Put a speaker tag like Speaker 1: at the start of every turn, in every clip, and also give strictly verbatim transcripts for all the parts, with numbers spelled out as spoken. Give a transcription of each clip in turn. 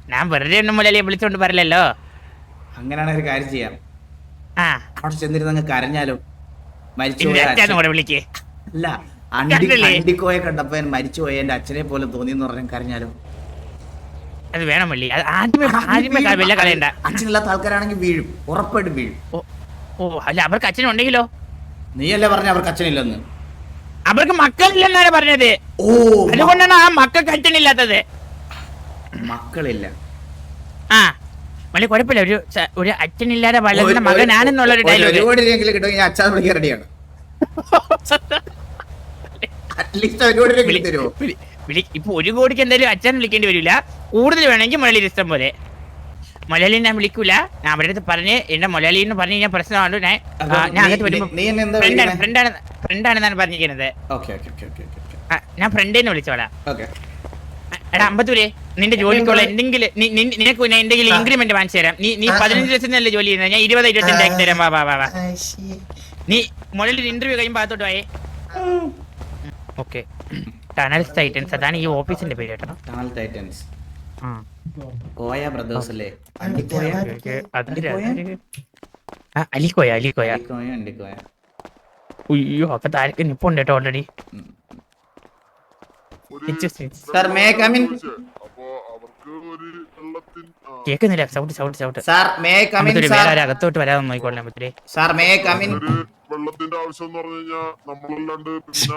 Speaker 1: ഞാൻ വെറുതെ ഒന്നും മുലലിയെ വിളിച്ചോണ്ട് പറയല്ലോ.
Speaker 2: അങ്ങനെയാണ് ഒരു കാര്യം ചെയ്യാം.
Speaker 1: ആ
Speaker 2: അവിടെ ചെന്നിരുന്ന് കരഞ്ഞാലോ?
Speaker 1: ഇന്ന് അച്ഛനും
Speaker 2: മരിച്ചുപോയ
Speaker 1: കൂടെ വിളിക്കേ.
Speaker 2: അല്ല, അണ്ടി അണ്ടിക്കോയെ കണ്ടപ്പോ മരിച്ചുപോയ എന്റെ അച്ഛനെ പോലെ തോന്നിയെന്ന് പറഞ്ഞാൽ കരഞ്ഞാലോ?
Speaker 1: അത് വേണം വള്ളി. അത് ആദ്യമേ ആദ്യമേ വല്ല കളയണ്ട.
Speaker 2: അച്ഛനില്ലാത്ത ആൾക്കാരാണെങ്കിൽ വീഴും, ഉറപ്പായിട്ടും വീഴും.
Speaker 1: ഓ ഓ അല്ല, അവർക്ക് അച്ഛനുണ്ടെങ്കിലോ?
Speaker 2: നീയല്ലേ പറഞ്ഞ അവർക്ക് അച്ഛനില്ലെന്ന്?
Speaker 1: അവർക്ക് മക്കളില്ലെന്നാണ് പറഞ്ഞത്.
Speaker 2: ഓ,
Speaker 1: അതുകൊണ്ടാണ് ആ മക്കൾക്ക് അച്ഛനില്ലാത്തത്.
Speaker 2: മക്കളില്ല.
Speaker 1: ആ വലിയ കുഴപ്പമില്ല. ഒരു ഒരു അച്ഛനില്ലാതെ വളർന്ന മകനാണെന്നുള്ളൊരു ഡയലോഗ്
Speaker 2: കിട്ടും. ഞാൻ അച്ഛൻ വിളിക്കാൻ റെഡിയാണ്.
Speaker 1: ഇപ്പൊ ഒരു കോടിക്ക് എന്തായാലും അച്ഛൻ വിളിക്കേണ്ടി വരില്ല. കൂടുതൽ വേണമെങ്കിൽ മുരളി ഇഷ്ടം പോലെ. മലയാളി ഞാൻ വിളിക്കൂല. ഞാൻ അവരുടെ അടുത്ത് പറഞ്ഞ് എന്റെ മലയാളി എന്ന് പറഞ്ഞ് ഞാൻ പ്രശ്നമാണ്. ഞാൻ ഞാൻ അങ്ങോട്ട് വരുമ്പോ ഫ്രണ്ടാണ് ഫ്രണ്ടാണ് ഫ്രണ്ടാണെന്നാണ് പറഞ്ഞിരിക്കുന്നത്. ഞാൻ ഫ്രണ്ടേന്ന് വിളിച്ചോളാം. എടാ അമ്പത്തൂരെ, നിന്റെ ജോലിക്കുള്ള എന്തെങ്കിലും നിനക്ക് എന്തെങ്കിലും ഇൻക്രിമെന്റ് വാങ്ങിച്ചു തരാം. നീ നീ പതിനഞ്ച് ലക്ഷത്തിനല്ലേ ജോലി ചെയ്യുന്നത്? ഞാൻ ഇരുപത് ഇരുപത്തഞ്ച് ആക്കി തരാം. വാ വാ വാ വാ നീ മുകളിൽ ഇന്റർവ്യൂ കഴിയുമ്പോൾ അകത്തോട്ട് പോയേ. ഓക്കെ, ടണൽ ടൈറ്റൻസ് അതാണ് ഈ ഓഫീസിന്റെ പേര് കേട്ടോ.
Speaker 2: ടണൽ ടൈറ്റൻസ് കോയ ബ്രദേഴ്സ് അല്ലേ?
Speaker 1: അലിക്കോയ അലിക്കോയ ഉയ്യോ, അപ്പൊ താരക്ക് നിപ്പുണ്ട് കേട്ടോ ഓൾറെഡി. കേക്കുന്നില്ല. സൗണ്ട് സൗണ്ട് സൗണ്ട് വേറെ അകത്തോട്ട് വരാതെ നോക്കിക്കോളാം.
Speaker 3: വെള്ളത്തിന്റെ ആവശ്യം എന്ന് പറഞ്ഞു കഴിഞ്ഞാൽ നമ്മളല്ലാണ്ട്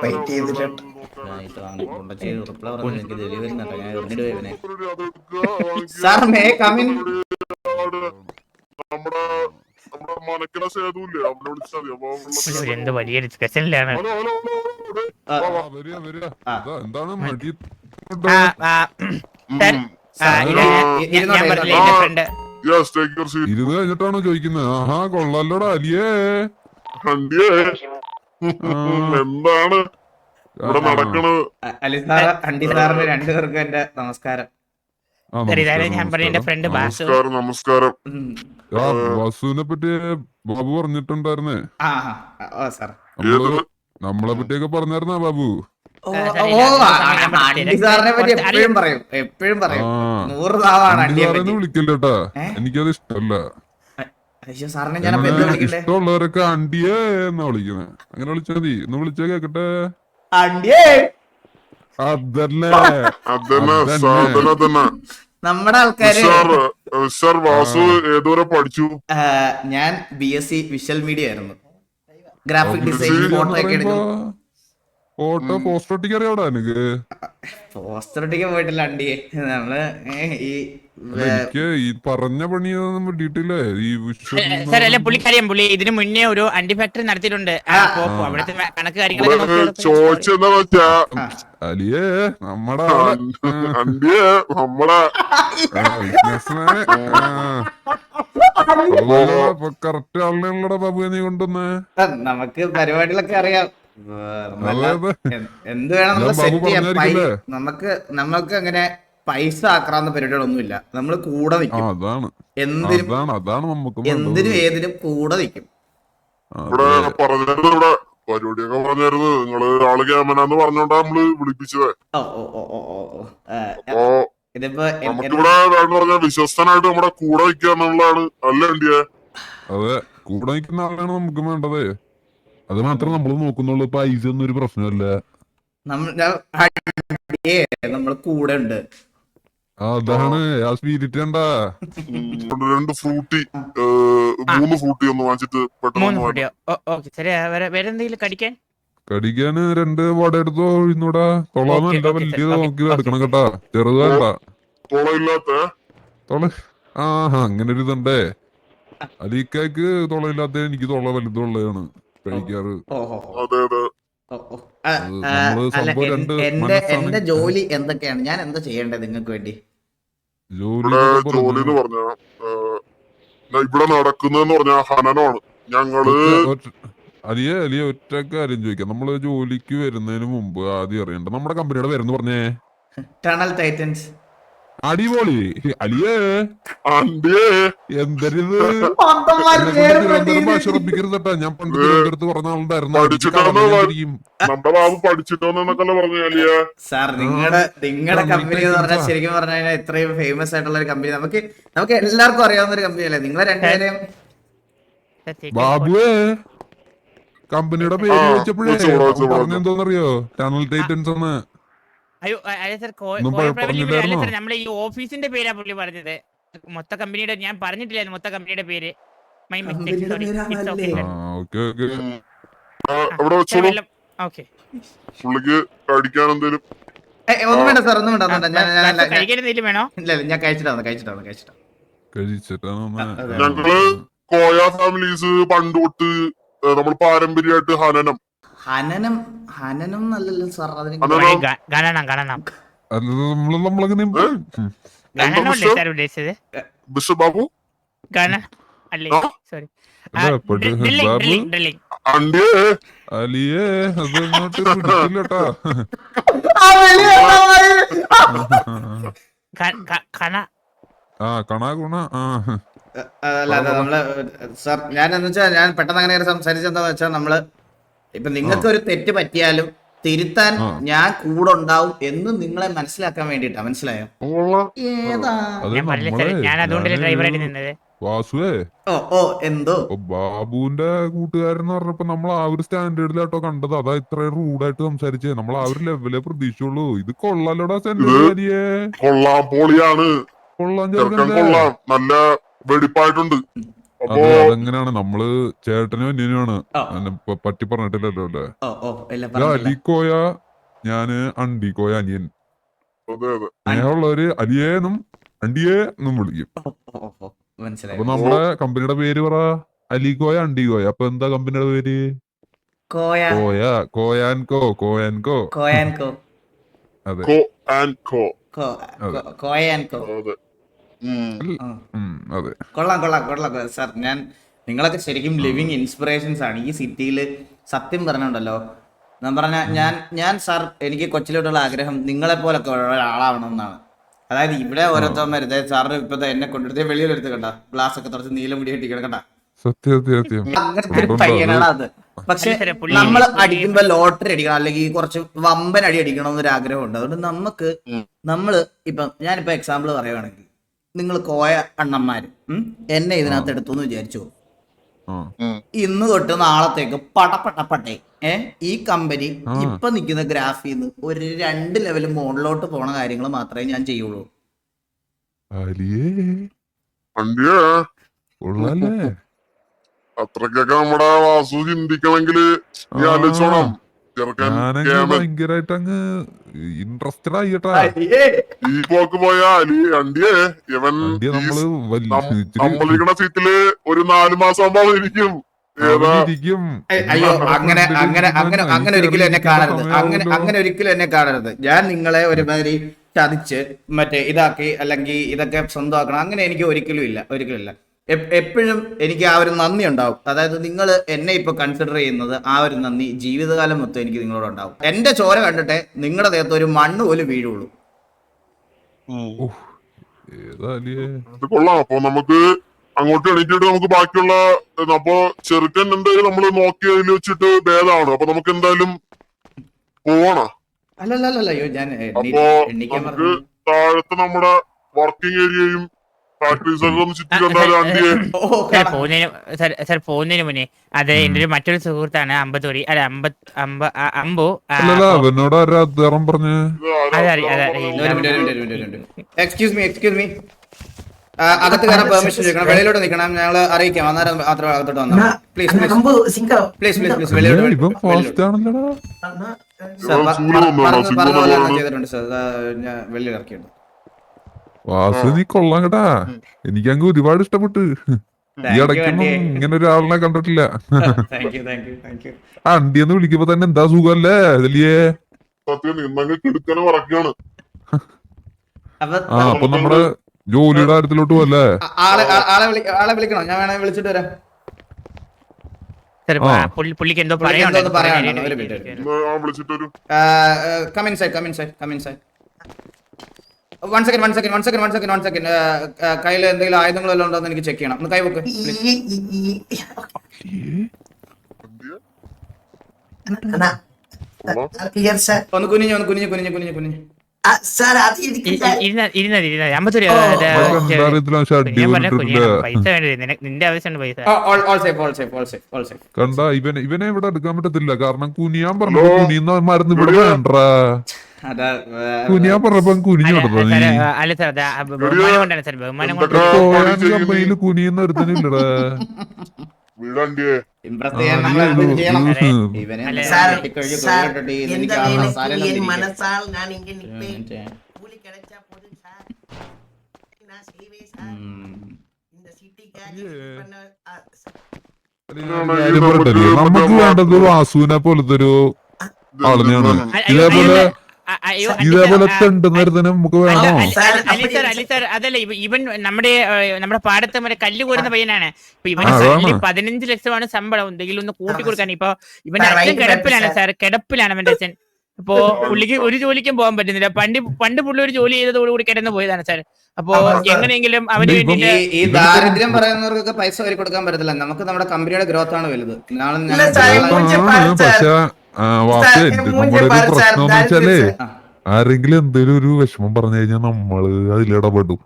Speaker 3: നമ്മുടെ നമ്മുടെ മനക്കിട സേതുല്ലേ, അവനെ വിളിച്ചാൽ മതി.
Speaker 1: എന്ത് വലിയ ഡിസ്കഷനിലാണ്.
Speaker 3: എന്താണ് മടി? ഇരുന്ന് കഴിഞ്ഞിട്ടാണോ ചോദിക്കുന്നത്? ആഹാ, കൊള്ളാലോടാ അലിയേ. എന്താണ് ഇവിടെ നടക്കണത്?
Speaker 2: അലി സാറ്, അണ്ടി സാറിന് രണ്ടുപേർക്കും എന്റെ നമസ്കാരം.
Speaker 1: ഞാൻ പറഞ്ഞ എന്റെ ഫ്രണ്ട് ബാസു.
Speaker 3: നമസ്കാരം. വാസുവിനെ പറ്റി ബാബു പറഞ്ഞിട്ടുണ്ടായിരുന്നേ. നമ്മളെ പറ്റിയൊക്കെ പറഞ്ഞായിരുന്നാ ബാബു?
Speaker 2: എപ്പോഴും പറയും എപ്പോഴും പറയും നൂറ് താവാണ്
Speaker 3: വിളിക്കില്ലട്ടാ, എനിക്കത് ഇഷ്ടമല്ല. ഇഷ്ടമുള്ളവരൊക്കെ അണ്ടിയേ എന്നാ വിളിക്കുന്നത്. അങ്ങനെ വിളിച്ചാ മതി. ഒന്ന് വിളിച്ചാ കേക്കട്ടെ. അതല്ലേ അതന്നെ
Speaker 2: നമ്മുടെ ആൾക്കാര്.
Speaker 3: വാസു ഏതുവരെ പഠിച്ചു?
Speaker 2: ഞാൻ B S C visual media ആയിരുന്നു. ഗ്രാഫിക് ഡിസൈൻ, ഫോട്ടോ ഒക്കെ എടുക്കും.
Speaker 3: ഫോട്ടോ പോസ്റ്റർ ഒട്ടിക്കാൻ അറിയാവടാ എനിക്ക്?
Speaker 2: പോസ്റ്റർ ഒട്ടിക്കാൻ പോയിട്ടില്ല അണ്ടിയെ. നമ്മള് ഈ
Speaker 3: എനിക്ക് ഈ പറഞ്ഞ പണിയൊന്നും ഡീറ്റെയിൽ ഈ
Speaker 1: സാർ അല്ല, പുള്ളിക്കറിയാം. പുള്ളി ഇതിനു മുന്നേ ഒരു അണ്ടി ഫാക്ടറി നടത്തിയിട്ടുണ്ട്. അവിടുത്തെ കണക്ക് കാര്യങ്ങളൊക്കെ
Speaker 3: ചോദിച്ചെന്താ വെച്ചാ അലിയേ നമ്മടെ അണ്ടിയെ നമ്മടെ കറക്റ്റ് ആളിനെയുള്ളടാ ബാബു നീ കൊണ്ടുവന്നേ.
Speaker 2: നമുക്ക് പരിപാടികളൊക്കെ അറിയാം. എന്ത് വേണം നമ്മൾ സെറ്റ് ചെയ്യാം. നമുക്ക് നമുക്ക് അങ്ങനെ പൈസ ആക്രാന്ന പരിപാടികളൊന്നുമില്ല. നമ്മൾ കൂടെ നിൽക്കും. എന്തിനും എന്തിനും ഏതിനും കൂടെ നിൽക്കും.
Speaker 3: ഇവിടെ പറഞ്ഞത് ഇവിടെ പരിപാടിയൊക്കെ പറഞ്ഞായിരുന്നു. നിങ്ങള് ആള് ക്യാമനാന്ന് പറഞ്ഞോണ്ടാ നമ്മള് വിളിപ്പിച്ചത്. അപ്പൊ നമുക്കിവിടെ വേണമെന്ന് പറഞ്ഞാൽ വിശ്വസ്തനായിട്ട് നമ്മുടെ കൂടെ നിൽക്കുക എന്നുള്ളതാണ്. അല്ല എന്തിയെ? അതെ, കൂടെ നിൽക്കുന്ന ആളാണ് നമുക്ക് വേണ്ടത്. അത് മാത്രം നമ്മൾ നോക്കുന്നുള്ളൂ. പൈസ ഒന്നും ഒരു പ്രശ്നമല്ല.
Speaker 2: നമ്മൾ കൂടെ ഉണ്ട്.
Speaker 3: അതാണ് ആ സ്പിരിറ്റ്. കണ്ടാ രണ്ട് ഫ്രൂട്ടി, മൂന്ന് ഫ്രൂട്ടി ഒന്ന് വാങ്ങിച്ചിട്ട്
Speaker 1: കടിക്കാൻ
Speaker 3: കടിക്കാന് രണ്ട് വട എടുത്തോ. ഇന്നൂടാ തൊളാന്നല്ല, വലിയത് നോക്കി എടുക്കണം കേട്ടാ. ചെറുത് വേണ്ട. തൊളയില്ലാത്ത തൊള. ആഹാ, അങ്ങനെ ഒരു ഇതുണ്ടേ. അലിക്കാക്ക് തൊളയില്ലാത്ത, എനിക്ക് തൊള വലുതുള്ളതാണ് കഴിക്കാറ്. അതെ അതെ.
Speaker 2: എന്റെ ജോലി എന്തൊക്കെയാണ്? ഞാൻ എന്താ ചെയ്യേണ്ടത് നിങ്ങൾക്ക് വേണ്ടി?
Speaker 3: ജോലി ജോലി എന്ന് പറഞ്ഞ ഇവിടെ നടക്കുന്നതെന്ന് പറഞ്ഞ ഹനനമാണ്. ഞങ്ങള് അലിയ അലിയ ഒറ്റ കാര്യം ചോദിക്കാം. നമ്മള് ജോലിക്ക് വരുന്നതിന് മുമ്പ് ആദ്യം അറിയണ്ട നമ്മുടെ കമ്പനിയുടെ പേരെന്ന് പറഞ്ഞേ.
Speaker 2: Tunnel Titans.
Speaker 3: അടിപൊളി അലിയേ എന്തരിത് തിരുവനന്തപുരം ഭാഷ ഉറപ്പിക്കരുതട്ടാ. ഞാൻ പണ്ട് തിരുവനന്തപുരത്ത് പറഞ്ഞ ആളുണ്ടായിരുന്നു.
Speaker 4: നമ്മുടെ ബാബു പഠിച്ചിട്ടോന്നൊക്കെ പറഞ്ഞു.
Speaker 2: സാർ നിങ്ങളുടെ നിങ്ങളുടെ കമ്പനി എന്ന് പറഞ്ഞാൽ ശരിക്കും പറഞ്ഞു കഴിഞ്ഞാൽ ഇത്രയും ഫേമസ് ആയിട്ടുള്ള ഒരു കമ്പനി നമുക്ക് നമുക്ക് എല്ലാവർക്കും അറിയാവുന്ന ഒരു കമ്പനി അല്ലേ നിങ്ങളെ രണ്ടുപേരെയും.
Speaker 3: ബാബുവേ കമ്പനിയുടെ പേര് ചോദിച്ചപ്പോഴേ പറഞ്ഞെന്തോന്നറിയോ? ടണൽ ടൈറ്റൻസ് ആണ്.
Speaker 1: അയ്യോ അതെ സാർ, അല്ല സാർ നമ്മളെ ഈ ഓഫീസിന്റെ പേരാ പുള്ളി പറഞ്ഞത്. മൊത്ത കമ്പനിയുടെ ഞാൻ പറഞ്ഞിട്ടില്ലായിരുന്നു മൊത്ത കമ്പനിയുടെ പേര്. My mistake, sorry. It's okay sir.
Speaker 3: Okay okay
Speaker 4: അവിടെ വെച്ചോളൂ.
Speaker 1: ഓക്കേ
Speaker 4: പുള്ളിക്ക് കഴിക്കാൻ എന്തേലും
Speaker 2: ഒന്നും വേണ്ട സാർ, ഒന്നും വേണ്ട, ഒന്നും വേണ്ട. ഞാൻ ഞാൻ
Speaker 1: കഴിക്കാൻ വേണോ?
Speaker 2: ഇല്ല ഇല്ല ഞാൻ കഴിച്ചിട്ടാണ് കഴിച്ചിട്ടാണ് കഴിച്ചിട്ടാണ്
Speaker 3: കഴിച്ചിട്ടാണ്.
Speaker 4: ഞങ്ങള് കോയ ഫാമിലീസ് പണ്ട് തൊട്ട് നമ്മൾ പാരമ്പര്യമായിട്ട് ഹനനം
Speaker 2: ഹനനം ഹനനം നല്ലല്ലോ സാർ. അതിന്
Speaker 1: ഗണനം ഗണനം
Speaker 3: നമ്മള് നമ്മളങ്ങനെ
Speaker 1: ഗണനമല്ലേ സാർ ഉദ്ദേശിച്ചത്?
Speaker 4: ബിഷപ്പ് ബാബു
Speaker 1: ഗണ അല്ലേ, സോറി.
Speaker 4: അണ്ടിയേ
Speaker 3: അലിയേ അതങ്ങോട്ട് പിടിച്ചില്ലട്ടാ. ആ കണാ ഗുണ ആ
Speaker 2: അല്ല അതെ നമ്മള് സാർ ഞാൻ എന്ന് വെച്ചാൽ ഞാൻ പെട്ടെന്ന് അങ്ങനെ സംസാരിച്ചെന്താന്ന് വെച്ചാൽ നമ്മള് ഇപ്പൊ നിങ്ങൾക്ക് ഒരു തെറ്റ് പറ്റിയാലും തിരുത്താൻ ഞാൻ കൂടെ ഉണ്ടാവും എന്ന് നിങ്ങളെ മനസ്സിലാക്കാൻ വേണ്ടിട്ടാ. മനസ്സിലായോ? ഏതാ
Speaker 3: വാസുവേ
Speaker 2: ഓ ഓ എന്തോ
Speaker 3: ബാബുവിന്റെ കൂട്ടുകാരെന്ന് പറഞ്ഞപ്പോ നമ്മൾ ആ ഒരു സ്റ്റാൻഡേർഡിലാട്ടോ കണ്ടത്. അതാ ഇത്ര റൂഡായിട്ട് സംസാരിച്ചേ. നമ്മൾ ആ ഒരു ലെവലേ പ്രതീക്ഷിച്ചുള്ളൂ. ഇത് കൊള്ളാലോടാ സെന്റിയെ.
Speaker 4: കൊള്ളാം, പൊളിയാണ്,
Speaker 3: കൊള്ളാൻ
Speaker 4: കൊള്ളാം, നല്ല വെടിപ്പായിട്ടുണ്ട്.
Speaker 3: അതെ അതെങ്ങനെയാണ് നമ്മള് ചേട്ടനും അന്യനുമാണ്. പറ്റി പറഞ്ഞിട്ടില്ലല്ലോ അല്ലേ? അലിക്കോയ ഞാന് അണ്ടിക്കോയ അനിയൻ. സ്നേഹമുള്ളവര് അലിയേന്നും അണ്ടിയേ എന്നും വിളിക്കും. അപ്പൊ നമ്മുടെ കമ്പനിയുടെ പേര് പറ. അലിക്കോയ അണ്ടിക്കോയ. അപ്പൊ എന്താ കമ്പനിയുടെ പേര്? കോയ കോയാൻകോ കോയാൻകോ
Speaker 2: കോയാൻകോ
Speaker 3: അതെ
Speaker 2: കോയാൻകോ
Speaker 3: അതെ.
Speaker 2: കൊള്ളാം കൊള്ളാം കൊള്ളാം സാർ. ഞാൻ നിങ്ങളൊക്കെ ശരിക്കും ലിവിങ് ഇൻസ്പിറേഷൻസ് ആണ് ഈ സിറ്റിയിൽ. സത്യം പറഞ്ഞുണ്ടല്ലോ ഞാൻ പറഞ്ഞ ഞാൻ ഞാൻ സാർ എനിക്ക് കൊച്ചിലോട്ടുള്ള ആഗ്രഹം നിങ്ങളെ പോലൊക്കെ ഒരാളാവണം എന്നാണ്. അതായത് ഇവിടെ ഓരോരുത്തന്മാർ സാറിന് ഇപ്പൊ എന്നെ കൊണ്ടെടുത്ത് വെളിയിലെടുത്ത് കണ്ട ഗ്ലാസ് ഒക്കെ തുറച്ച് നീല മുടി കെട്ടിക്കണം കണ്ട അങ്ങനത്തെ ഒരു പയ്യനാണ് അത്. പക്ഷെ നമ്മൾ അടിക്കുമ്പോ ലോട്ടറി അടിക്കണം അല്ലെങ്കിൽ കുറച്ച് വമ്പൻ അടി അടിക്കണം എന്നൊരു ആഗ്രഹമുണ്ട്. അതുകൊണ്ട് നമുക്ക് നമ്മള് ഇപ്പൊ ഞാനിപ്പോ എക്സാമ്പിൾ പറയുവാണെങ്കിൽ നിങ്ങൾ കോയ അണ്ണന്മാര് എന്നെ ഇതിനകത്ത് എടുത്തു എന്ന് വിചാരിച്ചു. ഇന്ന് തൊട്ട് നാളത്തേക്ക് പടപടപട്ടെ ഏ ഈ കമ്പനി ഇപ്പൊ നിൽക്കുന്ന ഗ്രാഫിന്ന് ഒരു രണ്ട് ലെവൽ മുകളിലോട്ട് പോണ കാര്യങ്ങൾ മാത്രമേ ഞാൻ ചെയ്യുള്ളൂ.
Speaker 4: അത്രക്കൊക്കെ നമ്മുടെ വാസു ചിന്തിക്കണമെങ്കിൽ
Speaker 3: ഭയങ്കരമായിട്ട് അങ്ങ് ഇൻട്രസ്റ്റഡ് ആയിട്ടാ.
Speaker 4: ഈ പോക്ക് പോയാ അണ്ടിയേ ഇവൻ നമ്മളിരിക്കണ സീറ്റില് ഒരു നാലു മാസം ആകുമ്പോ ഇരിക്കും.
Speaker 2: അയ്യോ അങ്ങനെ അങ്ങനെ അങ്ങനെ അങ്ങനെ ഒരിക്കലും എന്നെ കാണരുത്. അങ്ങനെ അങ്ങനെ ഒരിക്കലും എന്നെ കാണരുത്. ഞാൻ നിങ്ങളെ ഒരുമാതിരി ചതിച്ച് മറ്റേ ഇതാക്കി അല്ലെങ്കിൽ ഇതൊക്കെ സ്വന്തമാക്കണം അങ്ങനെ എനിക്ക് ഒരിക്കലും ഇല്ല, ഒരിക്കലും ഇല്ല. എപ്പോഴും എനിക്ക് ആ ഒരു നന്ദി ഉണ്ടാവും. അതായത് നിങ്ങൾ എന്നെ ഇപ്പൊ കൺസിഡർ ചെയ്യുന്നത് ആ ഒരു നന്ദി ജീവിതകാലം മൊത്തം എനിക്ക് നിങ്ങളോട് ഉണ്ടാവും. എന്റെ ചോര കണ്ടിട്ടേ നിങ്ങളുടെ ദേഹത്ത് ഒരു മണ്ണ് പോലും വീഴുള്ളൂ.
Speaker 4: കൊള്ളാം. അപ്പൊ നമുക്ക് അങ്ങോട്ട് എണീറ്റിട്ട് നമുക്ക് ബാക്കിയുള്ള അപ്പൊ ചെറുക്കൻ എന്തായാലും നമ്മള് നോക്കി അതിൽ വെച്ചിട്ട് ഭേദമാണ്. അപ്പൊ നമുക്ക് എന്തായാലും പോവാണോ?
Speaker 2: അല്ലല്ലല്ലോ ഞാൻ
Speaker 4: അപ്പൊ നമുക്ക് താഴത്തെ നമ്മുടെ വർക്കിംഗ് ഏരിയയും
Speaker 1: പോകുന്നതിന് മുന്നേ അത് എന്റെ ഒരു മറ്റൊരു സുഹൃത്താണ് അമ്പത്തൂരി അല്ല അമ്പ അമ്പ അമ്പു.
Speaker 2: എക്സ്ക്യൂസ് മീ എക്സ്ക്യൂസ് മീ അകത്ത് കയറാൻ പെർമിഷൻ ചോദിക്കണം. വെളിയിലോട്ട് നിൽക്കണം. ഞങ്ങൾ അറിയിക്കാം. അന്നേരം മാത്രം അകത്തോട്ട് വന്നാൽ please please please please please വെളിയിലോട്ട് ചെയ്തിട്ടുണ്ട് സാർ. ഞാൻ വെളിയിൽ ഇറക്കിയിട്ടുണ്ട്.
Speaker 3: വാസു നീ കൊള്ളാം കേട്ടാ. എനിക്കങ്ങ് ഒരുപാട് ഇഷ്ടപ്പെട്ടു. ഈ ഇടയ്ക്കൊന്നും ഇങ്ങനെ ഒരാളിനെ കണ്ടിട്ടില്ല. അണ്ടിയെന്ന് വിളിക്കുമ്പോ തന്നെ എന്താ സുഖല്ലേ വലിയേ. അപ്പൊ നമ്മുടെ ജോലിയുടെ കാര്യത്തിലോട്ട് പോവല്ലേ?
Speaker 2: ആളെ വിളിക്കണോ? ഞാൻ വേണേ വിളിച്ചിട്ട് വരാം.
Speaker 1: പുള്ളിക്ക് എന്തോ
Speaker 2: പറയാനുണ്ടോ? One second one second one second one second one second കയ്യിൽ എന്തെങ്കിലും ആയുധങ്ങൾ വല്ലതും ഉണ്ടോ എന്ന് എനിക്ക് ചെക്ക് ചെയ്യണം. ഒന്ന് കൈ വെക്ക്. ഒന്ന് കുനിഞ്ഞു ഒന്ന് കുനിഞ്ഞു കുനിഞ്ഞു കുനിഞ്ഞു കുനിഞ്ഞു
Speaker 1: ഇരുന്നത് ഇരുന്നത് ഇരുന്നത് അമ്പത്തൊരു ഞാൻ പറഞ്ഞ പൈസ വേണ്ടി നിന്റെ ആവശ്യമുണ്ട് പൈസ.
Speaker 2: All safe all safe all safe all safe.
Speaker 3: കണ്ട ഇവനെ ഇവനെ ഇവിടെ എടുക്കാൻ പറ്റത്തില്ല കാരണം കുനിയാൻ പറഞ്ഞു കുനിയുന്ന മരുന്ന് ഇവിടെ വേണ്ടാ കുനിയാൻ പറഞ്ഞപ്പോ കുനിഞ്ഞു കൊടുത്തോ നീ
Speaker 1: അല്ല സാർ ബഹുമാനം കൊണ്ടാണ് സാർ ബഹുമാനം കൊണ്ട്
Speaker 3: കമ്പനിയിൽ കുനിയുന്ന ഒരുത്തനില്ലടാ
Speaker 2: ഇംപ്രസ് ചെയ്യാൻ ഇവനെ
Speaker 5: മനസ്സാൽ ഞാൻ ഇങ്ങനെ കൂലി கிடைச்சா போதும் சார் நான் செய்வேன் சார் இந்த சிட்டிக்காக
Speaker 3: നമുക്ക് വേണ്ടത് വാസുവിനെ പോലത്തെ ഒരു ആളിനെയാണ്. ഇതേപോലെ ഇതേപോലെ തെണ്ടുന്നതിന് നമുക്ക് വേണോ?
Speaker 1: അലി സാർ അലി സാർ അതല്ല ഇവൻ നമ്മുടെ നമ്മുടെ പാടത്ത് മറ്റേ കല്ല് കോരുന്ന പയ്യനാണ്. ഇപ്പൊ ഇവന് പതിനഞ്ച് ലക്ഷമാണ് ശമ്പളം. എന്തെങ്കിലും ഒന്ന് കൂട്ടി കൊടുക്കാൻ. ഇപ്പൊ ഇവന്റെ അച്ഛൻ കിടപ്പിലാണ് സാർ, കിടപ്പിലാണ് അവന്റെ അച്ഛൻ. അപ്പോ പുള്ളിക്ക് ഒരു ജോലിക്കും പോകാൻ പറ്റുന്നില്ല. പണ്ട് പണ്ട് പുള്ളി ഒരു ജോലി ചെയ്തതോടുകൂടി കിടന്നു പോയതാണ് സാർ. അപ്പോ എങ്ങനെയെങ്കിലും അവന് വേണ്ടിട്ട്
Speaker 2: ഈ ദാരിദ്ര്യം പറയുന്നവർക്കൊക്കെ പൈസ വരി കൊടുക്കാൻ പറ്റത്തില്ല. നമുക്ക് നമ്മുടെ കമ്പനിയുടെ ഗ്രോത്ത് ആണ് വലുത്. നാളെ
Speaker 3: പക്ഷെ വാസു നമ്മുടെ ഒരു പ്രശ്നം എന്ന് വെച്ചാലേ ആരെങ്കിലും എന്തെങ്കിലും ഒരു വിഷമം പറഞ്ഞു കഴിഞ്ഞാൽ നമ്മള് അതിലിടപെടും.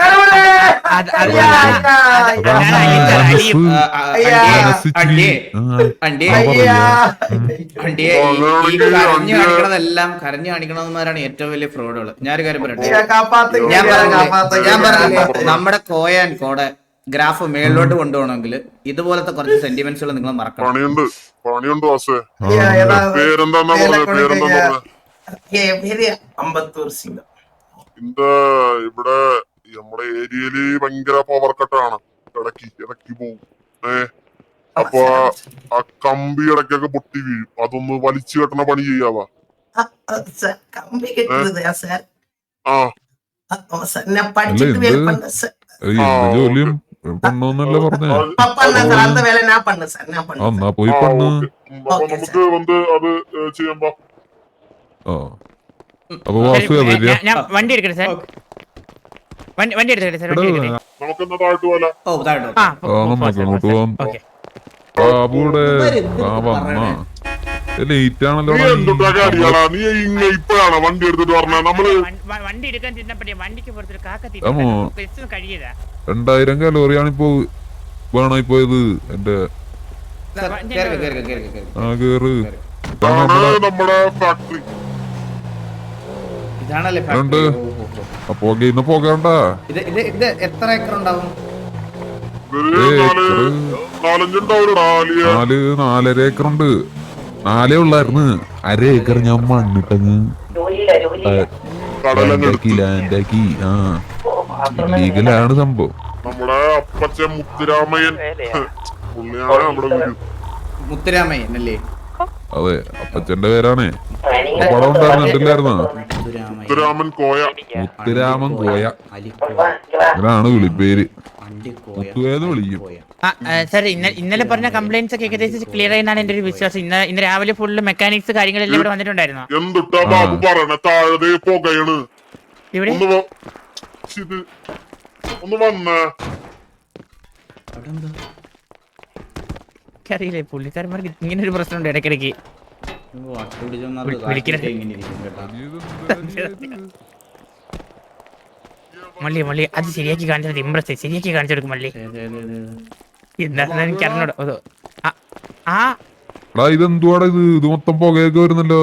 Speaker 2: കരഞ്ഞു കാണിക്കണതെല്ലാം കരഞ്ഞു കാണിക്കണവന്മാരാണ് ഏറ്റവും വലിയ ഫ്രോഡുകൾ. ഞാനൊരു കാര്യം പറയട്ടെ, ഞാൻ പറഞ്ഞില്ലേ ഞാൻ പറഞ്ഞില്ലേ നമ്മുടെ കോയാൻ കോടെ ഗ്രാഫ് മേളിലോട്ട് കൊണ്ടുപോകണമെങ്കിൽ ഇതുപോലത്തെ കുറച്ച് സെന്റിമെന്റ്സുകൾ നിങ്ങൾ മറക്കണം.
Speaker 4: പണിയുണ്ട് പണിയുണ്ട് വാസേ. പേരെന്താ പേരെന്താ
Speaker 5: അമ്പത്തൂർ സിംഗം.
Speaker 4: എന്താ ഇവിടെ നമ്മുടെ ഏരിയയില് ഭയങ്കര പവർ കട്ടാണ്. ഇടക്കി ഇടക്കി പോവും. ഏ അപ്പൊ ആ കമ്പി ഇടയ്ക്കൊക്കെ പൊട്ടി വീഴും. അതൊന്ന് വലിച്ചു കെട്ടണ പണി ചെയ്യാവാ.
Speaker 5: കമ്പി കെട്ടുന്നതാ സാർ?
Speaker 4: ആ
Speaker 5: ഞാൻ പഠിച്ചിട്ട് വേല പണ്ട സാർ.
Speaker 3: ജോലിയും പണ്ണോന്നല്ലേ പറഞ്ഞേ?
Speaker 5: அந்த வேலை நான் பண்ணு சார், நான் பண்ணு.
Speaker 3: എന്നാ പോയി പണ്ണ്.
Speaker 4: നമുക്ക് വന്ന് അത് ചെയ്യാമ്പോ.
Speaker 3: അപ്പൊ വാസു
Speaker 1: ഞാൻ വണ്ടി എടുക്കട്ടെ സാർ, വണ്ടി വണ്ടി എടുക്കട്ടെ സാർ, വണ്ടി എടുക്കട്ടെ.
Speaker 4: നമുക്ക് എന്നാ താഴ്ത്തു പോലെ
Speaker 3: നമുക്ക് അങ്ങോട്ട് പോവാം. ബാബുടെ ആ വന്നാ ലേറ്റ് ആണല്ലോ.
Speaker 4: നീ ഇപ്പഴാണ് വണ്ടി എടുത്തിട്ട് പറഞ്ഞ നമ്മള്
Speaker 1: വണ്ടി എടുക്കാൻ ചെന്നപ്പോഴേ വണ്ടിക്ക് പുറത്തൊരു കാക്ക കഴിയതാ.
Speaker 3: രണ്ടായിരം കലോറിയാണ് ഇപ്പൊ വേണായി പോയത് എന്റെ. ആ കേറ്
Speaker 4: നമ്മുടെ ഫാക്ടറി
Speaker 2: ഉണ്ട്.
Speaker 3: അപ്പൊ ഇന്ന് പോകണ്ട.
Speaker 2: എത്ര ഏക്കർ ഉണ്ടാവും?
Speaker 3: നാല് നാലര ഏക്കർ ഉണ്ട്. നാലേ ഉള്ളായിരുന്നു. അര ഏക്കർ ഞാൻ മണ്ണിട്ടങ്ങ് ലാൻഡാക്കി. ആ ലീഗലാണ് സംഭവം.
Speaker 4: നമ്മുടെ അപ്പച്ചൻ മുത്തുരാമയ്യൻ പുള്ളിയാണ് നമ്മുടെ വീട്.
Speaker 2: മുത്തുരാമയ്യൻ അല്ലേ?
Speaker 3: അതെ, അപ്പച്ചന്റെ പേരാണ്. പടം ഉണ്ടായിരുന്നില്ലായിരുന്നോ?
Speaker 4: മുത്തുരാമൻ കോയ.
Speaker 3: മുത്തുരാമൻ കോയ അങ്ങനാണ് വിളിപ്പേര്. മുത്തുവേന്ന് വിളിക്കും.
Speaker 1: സാർ ഇന്നലെ പറഞ്ഞ കംപ്ലൈന്റ്സ് ഒക്കെ ഏകദേശം ക്ലിയർ ആയെന്നാണ് എന്റെ ഒരു വിശ്വാസം. ഇന്ന് ഇന്ന് രാവിലെ ഫുള്ള് മെക്കാനിക്സ് കാര്യങ്ങളെല്ലാം ഇവിടെ വന്നിട്ടുണ്ടായിരുന്നു.
Speaker 4: എന്തുട്ടാ ബാബു പറയണ? താഴെ പോകയാണ്
Speaker 1: ഇവിടെ
Speaker 4: ഒന്ന് വന്നേ.
Speaker 1: അറിയില്ലേ പുള്ളിക്കാരന്മാർക്ക് ഇങ്ങനെ ഒരു പ്രശ്നമുണ്ട് ഇടയ്ക്കിടയ്ക്ക്. മള്ളി മള്ളി അത് ശരിയാക്കി കാണിച്ചത് ഇമ്പ്രസ് ശരിയാക്കി കാണിച്ചു കൊടുക്കും മള്ളി. എന്താണെന്ന് എനിക്ക് അറിഞ്ഞൂടോ. ആ
Speaker 3: ഇതെന്തുവാടാ ഇത്? ഇത് മൊത്തം പുകയൊക്കെ വരുന്നല്ലോ.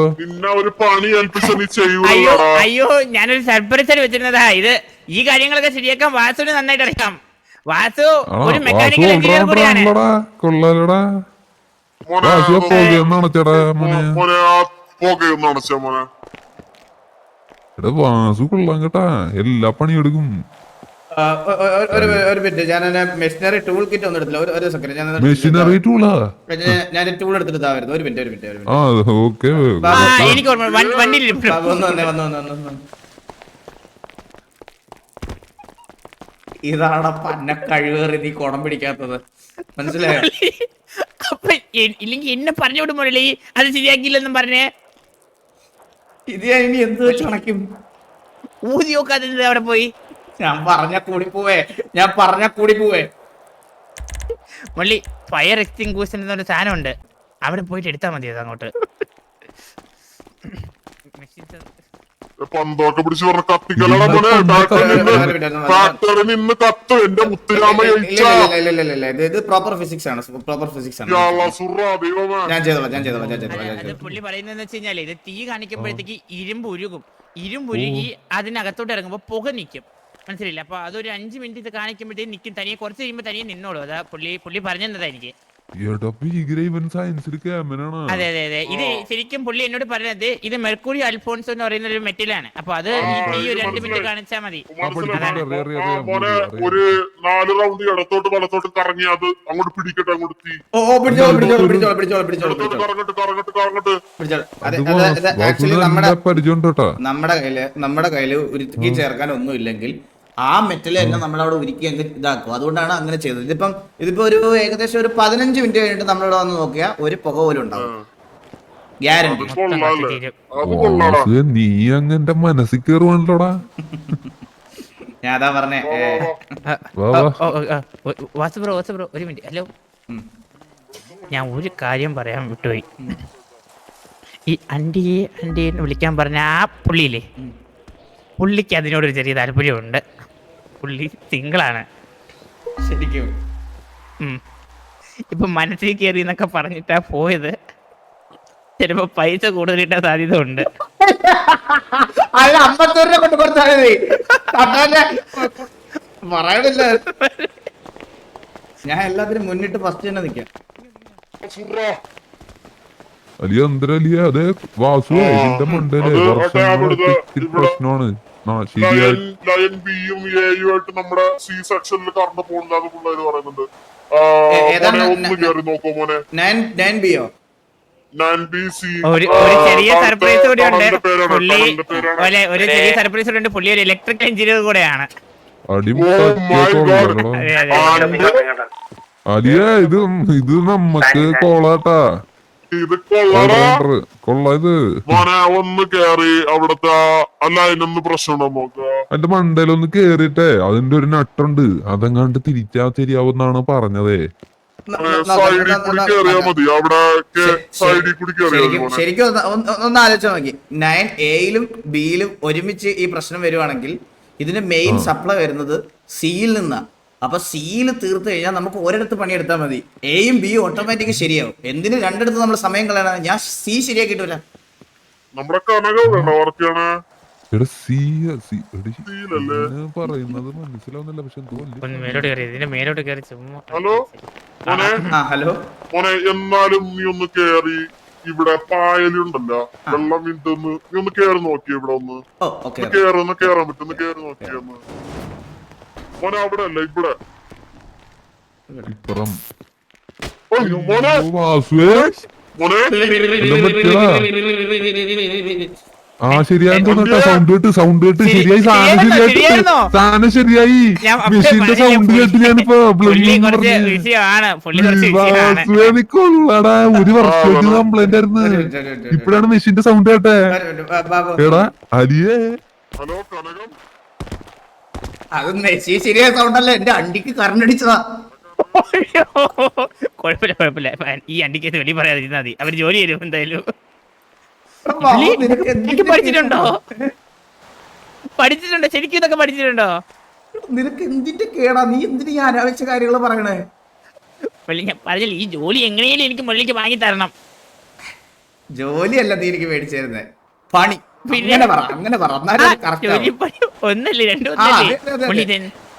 Speaker 1: അയ്യോ അയ്യോ ഞാനൊരു സർപ്രൈസ് വെച്ചിരുന്നതാ. ഇത് ഈ കാര്യങ്ങളൊക്കെ ശരിയാക്കാൻ വാസുവിന് നന്നായിട്ട് അറിയാം. വാസു ഒരു മെക്കാനിക്കൽ എഞ്ചിനീയർ കൂടിയാണ്.
Speaker 3: കൊള്ളാലടാ. വാസു കൊള്ളാം കേട്ടാ. എല്ലാ പണിയെടുക്കും.
Speaker 2: ഒരു മിനിറ്റ്, ഞാൻ മെഷീനറി ടൂൾ കിറ്റ് ഒന്നും എടുത്തില്ല. ഒരു സെക്കൻഡ്, ഞാൻ
Speaker 3: മെഷീനറി ടൂളാ
Speaker 2: ഞാൻ ടൂൾ എടുത്തിട്ട് വരുന്നത്. ഒരു മിനിറ്റ് ഒരു മിനിറ്റ് ഒരു മിനിറ്റ്.
Speaker 3: ആ ഓക്കെ.
Speaker 2: വന്നു വന്നേ വന്നു വന്നു വന്നു. ഇതാണ് പന്ന കഴിവേറി നീ കുടം പിടിക്കാത്തത്, മനസ്സിലായോ?
Speaker 1: അപ്പൊ ഇല്ലെങ്കിൽ എന്നെ പറഞ്ഞു വിടുമ്പോഴല്ലേ അത് ശരിയാക്കിയില്ലെന്നും പറഞ്ഞേ.
Speaker 2: ഇത് ഞാൻ ഇനി എന്ത് വെച്ച് കണക്കും?
Speaker 1: ഊതി നോക്കാതെ അവിടെ പോയി.
Speaker 2: ഞാൻ പറഞ്ഞ കൂടി പോവേ ഞാൻ പറഞ്ഞ കൂടി പോവേ
Speaker 1: മുള്ളി ഫയർ എക്സ്റ്റിംഗ്വിഷൻ എന്നൊരു സാധനം ഉണ്ട്, അവിടെ പോയിട്ട് എടുത്താൽ മതി അത് അങ്ങോട്ട്.
Speaker 4: പന്തൊക്കെ പിടിച്ച് പറഞ്ഞ കത്തിക്കലട മോനെ. ഫാക്ടറി നിന്ന് കത്ത് എന്റെ മുത്തുരാമ
Speaker 2: ഇത് പ്രോപ്പർ ഫിസിക്സ് ആണ് പ്രോപ്പർ ഫിസിക്സ് ആണ് ഞാൻ ചെയ്തോളാം ഞാൻ ചെയ്തോളാം ഞാൻ ചെയ്തോളാം ഞാൻ
Speaker 1: അത്
Speaker 2: ചെയ്തോളാം
Speaker 1: പുള്ളി പറയുന്നതെന്ന് വെച്ച് കഴിഞ്ഞാല് ഇത് തീ കാണിക്കുമ്പോഴത്തേക്ക് ഇരുമ്പ് ഉരുകും, ഇരുമ്പ് ഉരുകി അതിനകത്തോട്ട് ഇറങ്ങുമ്പോ പുക നിൽക്കും, മനസ്സിലില്ല. അപ്പൊ അതൊരു അഞ്ചു മിനിറ്റ് ഇത് കാണിക്കുമ്പോഴത്തേക്ക് നിൽക്കും, തനിയെ കുറച്ച് കഴിയുമ്പോൾ തനിയെ നിന്നോളൂ. അതാ പുള്ളി പുള്ളി പറഞ്ഞതാ എനിക്ക്. അതെ അതെ അതെ ഇത് ശരിക്കും പുള്ളി എന്നോട് പറഞ്ഞത് ഇത് മെർക്കുറി അൽഫോൺസോ എന്ന് പറയുന്ന ഒരു മെറ്റലാണ്. അപ്പൊ അത് ഈ ഒരു രണ്ട് മിനിറ്റ് കാണിച്ചാൽ മതി.
Speaker 4: മോനെ ഒരു നാല് റൗണ്ട് ഇടത്തോട്ട് വലത്തോട്ട് കറങ്ങി അത് അങ്ങോട്ട് പിടിക്കട്ടെ, അങ്ങോട്ട് തീ
Speaker 2: ഓ ഓ പിടിച്ചോളൂ പിടിച്ചോളൂ പിടിച്ചോളൂ പിടിച്ചോളൂ പിടിച്ചോളൂ
Speaker 4: ഇടത്തോട്ട് കറങ്ങട്ട് കറങ്ങട്ട് കറങ്ങട്ട്
Speaker 2: പിടിച്ചോളൂ അതെ അതെ ആക്ച്വലി നമ്മുടെ
Speaker 3: പരിചയം
Speaker 2: നമ്മുടെ കയ്യില് നമ്മുടെ കയ്യില് ഉരുക്കി ചേർക്കാൻ ഒന്നും ഇല്ലെങ്കിൽ ആ മെറ്റൽ തന്നെ നമ്മളവിടെ ഉരുക്കി അങ്ങ് ഇതാക്കും. അതുകൊണ്ടാണ് അങ്ങനെ ചെയ്തത്. ഇതിപ്പം ഇതിപ്പോ ഒരു ഏകദേശം ഒരു പതിനഞ്ച് മിനിറ്റ് കഴിഞ്ഞിട്ട് നമ്മളിവിടെ വന്ന് നോക്കിയാൽ ഒരു പുക പോലും ഉണ്ടാവും, ഗ്യാരണ്ടി.
Speaker 3: നീ അങ്ങന്റെ മനസ്സിൽ കയറുവാണല്ലോടാ.
Speaker 2: ഞാൻ അതാ പറഞ്ഞേ
Speaker 1: വാസു ബ്രോ വാസു ബ്രോ ഒരു മിനിറ്റ്. ഹലോ, ഞാൻ ഒരു കാര്യം പറയാൻ വിട്ടുപോയി. ഈ അണ്ടിയെ അണ്ടിയെ വിളിക്കാൻ പറഞ്ഞ ആ പുള്ളിയില്ലേ, പുള്ളിക്ക് അതിനോടൊരു ചെറിയ താല്പര്യമുണ്ട്. പുള്ളി സിംഗിളാണ്
Speaker 2: ശരിക്കും.
Speaker 1: ഇപ്പൊ മനസ്സിൽ കയറി എന്നൊക്കെ പറഞ്ഞിട്ടാ പോയത്. ചിലപ്പോ പൈസ കൂടുതൽ കിട്ടാൻ സാധ്യത ഉണ്ട്.
Speaker 2: അല്ല അമ്പത്തൂറ് രൂപ കൊണ്ട് കൊടുത്താൽ പറയണില്ല. ഞാൻ എല്ലാത്തിനും മുന്നിട്ട് ഫസ്റ്റ് തന്നെ നിൽക്കാം.
Speaker 3: അലിയ എന്തരലിയ അതെ വാസു ഇതിന്റെ മണ്ടല്ലേ പ്രശ്നമാണ്.
Speaker 4: ലയൻ ബിയും എയും ആയിട്ട് നമ്മുടെ സി സെക്ഷനിൽ കറണ്ട് പോകുന്നത് പിള്ളേര് പറയുന്നുണ്ട്. ഒന്ന് കയറി നോക്കോ മോനെ.
Speaker 1: ഒരു ചെറിയ സർപ്രൈസ് കൂടി ഉണ്ട് പുള്ളി. ഒരു ചെറിയ സർപ്രൈസ് കൂടി ഉണ്ട്, പുള്ളി ഒരു ഇലക്ട്രിക്കൽ എഞ്ചിനീയർ കൂടെയാണ്.
Speaker 3: അലിയ ഇത് ഇത് നമ്മക്ക് കോളാട്ടാ.
Speaker 4: ഇത് കൊള്ളടാ
Speaker 3: കൊള്ള ഇത്
Speaker 4: മോനെ. ഒന്ന് കേറി അവിടത്തെ അല്ല അതിനൊന്ന് പ്രശ്നമുണ്ടോ നോക്ക.
Speaker 3: അതിന്റെ മണ്ടയിലൊന്ന് കേറിട്ടെ അതിന്റെ ഒരു നട്ടുണ്ട്, അതെങ്ങാണ്ട് തിരിച്ചാ ശരിയാവുന്നാണ് പറഞ്ഞതേ.
Speaker 4: സൈഡിൽ കൂടി കേറിയാ മതി, അവിടെ സൈഡിൽ കൂടി കേറിയാ മതി.
Speaker 2: ശരിക്കും ഒന്ന് ആലോചിച്ചാൽ നോക്കി, നയൻ എയിലും ബിയിലും ഒരുമിച്ച് ഈ പ്രശ്നം വരുവാണെങ്കിൽ ഇതിന്റെ മെയിൻ സപ്ലൈ വരുന്നത് സിയിൽ നിന്നാ. അപ്പൊ സിയിൽ തീർത്ത് കഴിഞ്ഞാൽ നമുക്ക് ഒരിടത്ത് പണിയെടുത്താൽ മതി, എയും ബിയും ഓട്ടോമാറ്റിക് ശരിയാവും. എന്തിന് രണ്ടിടത്ത് നമ്മൾ സമയം കളയണം? ഞാൻ സി ശരിയാക്കിട്ടില്ല.
Speaker 4: നമ്മുടെ കനക വർക്കാണ്
Speaker 3: പറയുന്നത് മനസ്സിലാവുന്നില്ല. പക്ഷെ
Speaker 4: ഹലോ മോനെ.
Speaker 2: ഹലോ
Speaker 4: മോനെ എന്നാലും നീ ഒന്ന് കേറി ഇവിടെ പായലുണ്ടല്ലോ വെള്ളം വീണ്ടൊന്ന് നീ ഒന്ന് കേറി നോക്കിയ ഇവിടെ ഒന്ന് കേറൊന്ന് കേറാൻ പറ്റുന്ന കേറി നോക്കിയൊന്ന് മോനെ. അവിടെ അല്ല ഇവിടെ
Speaker 3: ഇപ്പുറം
Speaker 4: മോനെ മോനെ
Speaker 3: ആ ശരിയായി സൗണ്ട് കേട്ട് സൗണ്ട് കേട്ട് ശരിയായി സാധനം ശരിയായിട്ട് സാധനം ശരിയായി. മെഷീന്റെ സൗണ്ട് കേട്ട് ഞാനിപ്പോ കൊള്ളടാ. ഒരു വർഷമായിട്ട് കംപ്ലൈന്റ് ആയിരുന്നു, ഇപ്പഴാണ് മെഷീന്റെ സൗണ്ട് കേട്ടെ. എടാ അലിയേ
Speaker 4: ഹലോ കനകം.
Speaker 2: അത് മെസ്സി ശരിയായ സൗണ്ടല്ല, എന്റെ അണ്ടിക്ക് കറണ്ട് അടിച്ചതാ.
Speaker 1: കുഴപ്പമില്ല കുഴപ്പമില്ല, ഈ അണ്ടിക്ക് വെളി പറയാതിരുന്നാ മതി, അവര് ജോലി തരും എന്തായാലും. പഠിച്ചിട്ടുണ്ടോ പഠിച്ചിട്ടുണ്ടോ ശരിക്കും ഇതൊക്കെ പഠിച്ചിട്ടുണ്ടോ?
Speaker 2: നിനക്ക് എന്തിന്റെ കേടാ? നീ എന്തിനു ഈ അനാവശ്യ കാര്യങ്ങൾ പറയണേ?
Speaker 1: ഞാൻ പറഞ്ഞില്ല, ഈ ജോലി എങ്ങനെയും എനിക്ക് മുള്ളിക്ക് വാങ്ങി തരണം.
Speaker 2: ജോലിയല്ല നീ എനിക്ക് മേടിച്ചിരുന്നേ, പണി. അങ്ങനെ പറ അങ്ങനെ പറ
Speaker 1: ഒന്നല്ലേ രണ്ടു